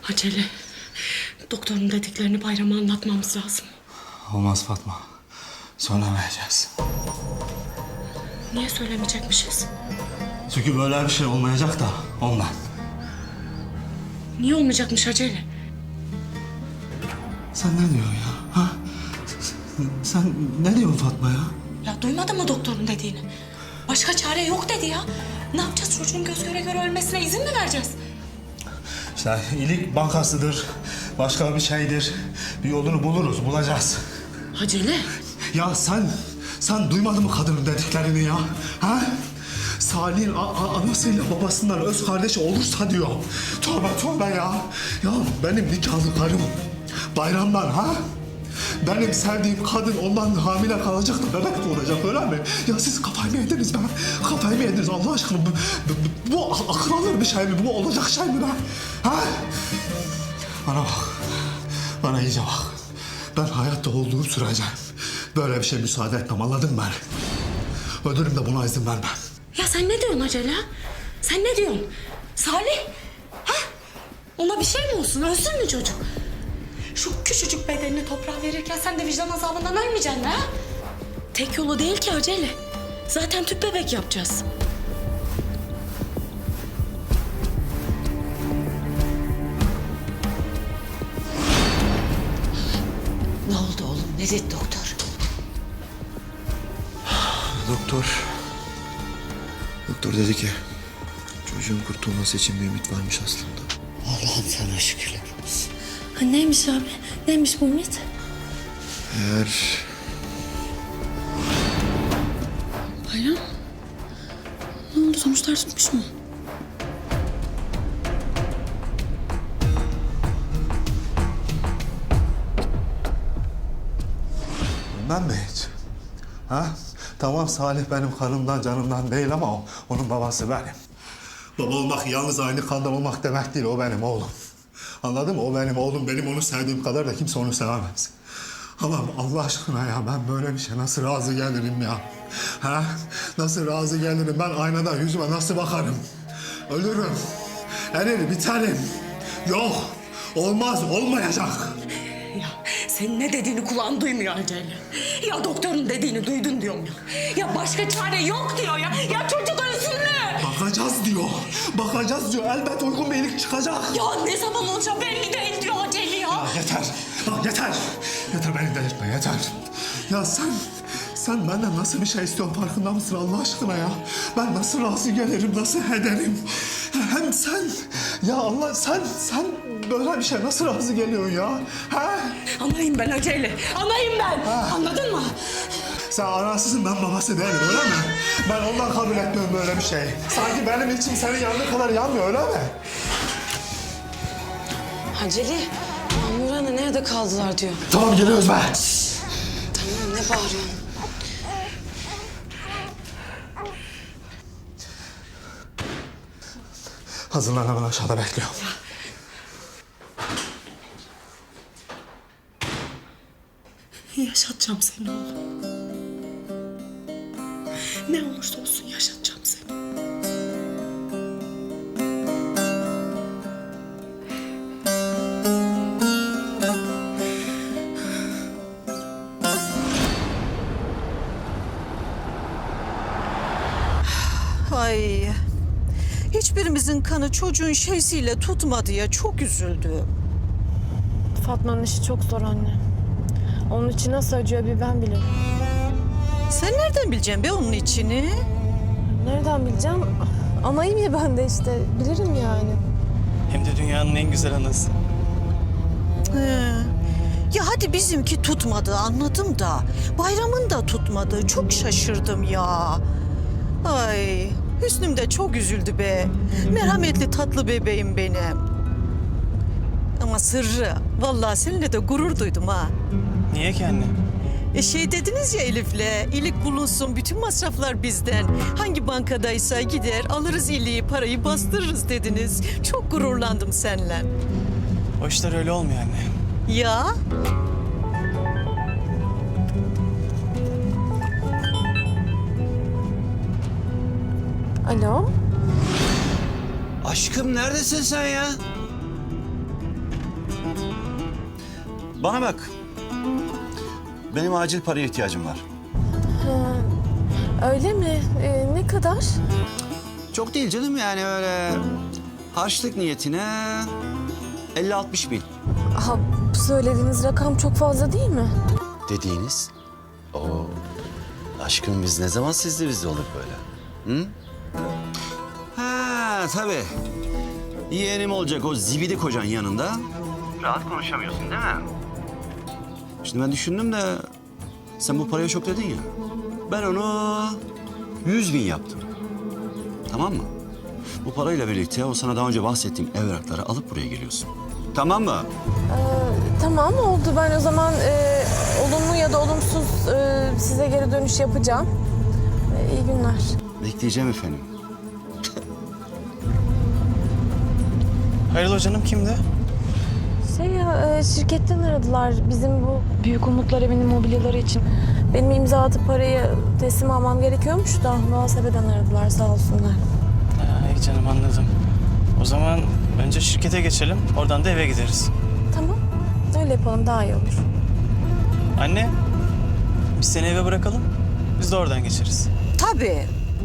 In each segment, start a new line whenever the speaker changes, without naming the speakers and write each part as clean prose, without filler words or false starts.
Acele. Doktorun dediklerini Bayram'a anlatmamız lazım.
Olmaz Fatma. Söylemeyeceğiz.
Niye söylemeyecekmişiz?
Çünkü böyle bir şey olmayacak da ondan.
Niye olmayacakmış Acele?
Sen ne diyorsun ya? Ha? Sen ne diyorsun Fatma ya?
Ya duymadın mı doktorun dediğini? Başka çare yok dedi ya. Ne yapacağız, çocuğun göz göre göre ölmesine izin mi vereceğiz?
İşte iyilik bankasıdır, başka bir şeydir. Bir yolunu bulacağız.
Acele.
Ya sen duymadın mı kadının dediklerini ya? Ha? Salih'in anasıyla babasından öz kardeşi olursa diyor. Tövbe ya. Ya benim nikahlı karım Bayram'dan ha? Benim sevdiğim kadın ondan hamile kalacak da bebek doğuracak öyle mi? Ya siz kafayı mı yediniz be? Kafayı mı yediniz Allah aşkına? Bu akıl alır bir şey mi? Bu olacak şey mi be? Ha? Bana bak. Bana iyice bak. Ben hayatta olduğum sürece böyle bir şey müsaade etmem, anladın mı beni? Ölürüm de buna izin vermem.
Ya sen ne diyorsun Acele? Sen ne diyorsun? Salih? Ha? Ona bir şey mi olsun? Ölsün mü çocuk? Şu küçücük bedenini toprağa verirken sen de vicdan azabından ölmeyeceksin ha? Tek yolu değil ki Acele. Zaten tüp bebek yapacağız.
Ne oldu oğlum? Ne dedi doktor?
Doktor dedi ki çocuğun kurtulması için bir ümit varmış aslında.
Allah'ım sana şükürler olsun.
Ha, neymiş abi? Neymiş bu ümit?
Eğer
Bayram. Ne oldu? Sonuçlar tutmuş mu?
Bilmem mi hiç? Ha? Tamam Salih benim kanımdan canımdan değil ama onun babası benim. Baba olmak yalnız aynı kandan olmak demek değil, o benim oğlum. Anladın mı? O benim oğlum, benim onu sevdiğim kadar da kimse onu sevemez. Ama Allah aşkına ya ben böyle bir şey nasıl razı gelirim ya? Ha? Nasıl razı gelirim? Ben aynada yüzüme nasıl bakarım? Ölürüm. Erir, biterim. Yok. Olmaz, olmayacak.
Ya senin ne dediğini kulağın duymuyor Acele. Ya doktorun dediğini duydun diyorum ya. Ya başka çare yok diyor ya. Ya çocuk ölsün mü?
Bakacağız diyor. Bakacağız diyor. Elbet uygun bir iyilik çıkacak.
Ya ne zaman olacak belli değil diyor Acele ya.
Yeter. Yeter. Yeter beni delirtme yeter. Ya sen benden nasıl bir şey istiyorsun farkında mısın Allah aşkına ya? Ben nasıl razı gelirim, nasıl ederim? Hem sen, ya Allah sen böyle bir şey nasıl razı geliyorsun ya? Ha?
Anayım ben Acele. Anayım ben. Anladın mı?
Sen anasısın ben babası değilim öyle mi? Ben ondan kabul etmiyorum böyle bir şey. Sanki benim içim senin yanına kadar yanmıyor öyle mi?
Acele, Mahmur Ana nerede kaldılar diyor.
Tamam geliyoruz be.
Tamam, ne bağırıyorsun?
Hazırlan hemen aşağıda bekliyorum.
Yaşatacağım seni oğlum. Ne olursa olsun yaşatacağım seni.
Ay. Hiçbirimizin kanı çocuğun şeysiyle tutmadı ya. Çok üzüldüm.
Fatma'nın işi çok zor anne. Onun için nasıl acıyor bir ben bilirim.
Sen nereden bileceksin be onun içini?
Nereden bileceğim? Anayım ya ben de işte. Bilirim yani.
Hem de dünyanın en güzel anası.
He. Ya hadi bizimki tutmadı anladım da. Bayramın da tutmadı. Çok şaşırdım ya. Ay Hüsnüm de çok üzüldü be. Merhametli tatlı bebeğim benim. Ama Sırrı, vallahi seninle de gurur duydum ha.
Niye ki anne?
Şey dediniz ya Elif'le, iyilik bulunsun, bütün masraflar bizden. Hangi bankadaysa gider, alırız iyiliği, parayı bastırırız dediniz. Çok gururlandım seninle.
O işler öyle olmuyor anne.
Ya?
Alo?
Aşkım neredesin sen ya? Bana bak. Benim acil paraya ihtiyacım var.
Öyle mi? Ne kadar?
Çok değil canım, yani öyle harçlık niyetine 50-60 bin.
Aha, söylediğiniz rakam çok fazla değil mi?
Dediğiniz? O aşkım, biz ne zaman sizle bizde olduk böyle? Hı? Ha tabii. Yeğenim olacak o zibidi kocan yanında. Rahat konuşamıyorsun değil mi? Şimdi ben düşündüm de sen bu paraya çok dedin ya. Ben onu 100 bin yaptım. Tamam mı? Bu parayla birlikte o sana daha önce bahsettiğim evrakları alıp buraya geliyorsun. Tamam mı?
Tamam oldu. Ben o zaman olumlu ya da olumsuz size geri dönüş yapacağım. İyi günler.
Bekleyeceğim efendim.
Hayrola canım, kimdi?
Şirketten aradılar bizim bu Büyük Umutlar Evi'nin mobilyaları için. Benim imza atıp parayı teslim almam gerekiyormuş da muhasebeden aradılar, sağ olsunlar.
İyi canım, anladım. O zaman önce şirkete geçelim, oradan da eve gideriz.
Tamam, öyle yapalım, daha iyi olur.
Anne, biz seni eve bırakalım, biz de oradan geçeriz.
Tabii.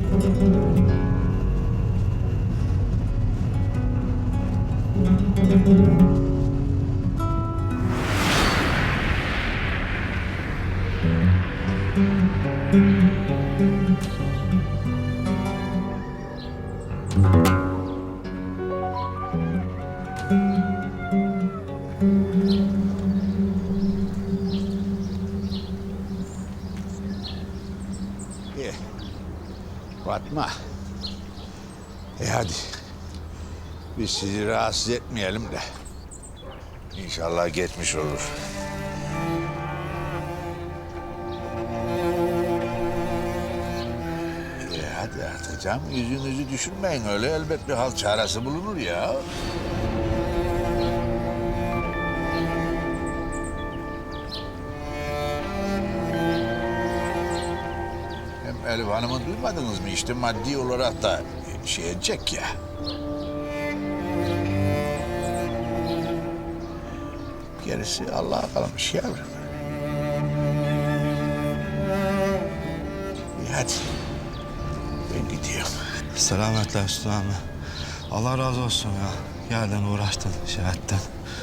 Fatma. Hadi. Biz sizi rahatsız etmeyelim de. İnşallah geçmiş olur. Hadi artık canım, yüzünüzü düşünmeyin öyle, elbet bir hal çaresi bulunur ya. Hem Elif Hanım'ı duymadınız mı? İşte maddi olarak da şey edecek ya. Gerisi Allah'a kalmış yavrum. İyi hadi. Ben gidiyorum.
Selametle Hüsnü abi. Allah razı olsun ya. Geldin uğraştın, şey ettin.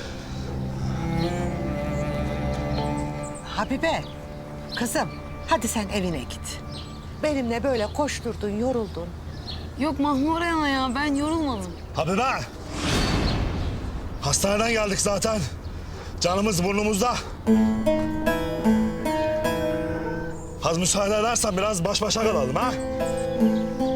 Habibe, kızım hadi sen evine git. Benimle böyle koşturdun, yoruldun.
Yok Mahmure ana ya, ben yorulmadım.
Habibe! Hastaneden geldik zaten. Canımız burnumuzda. Az müsaade edersen biraz baş başa kalalım ha?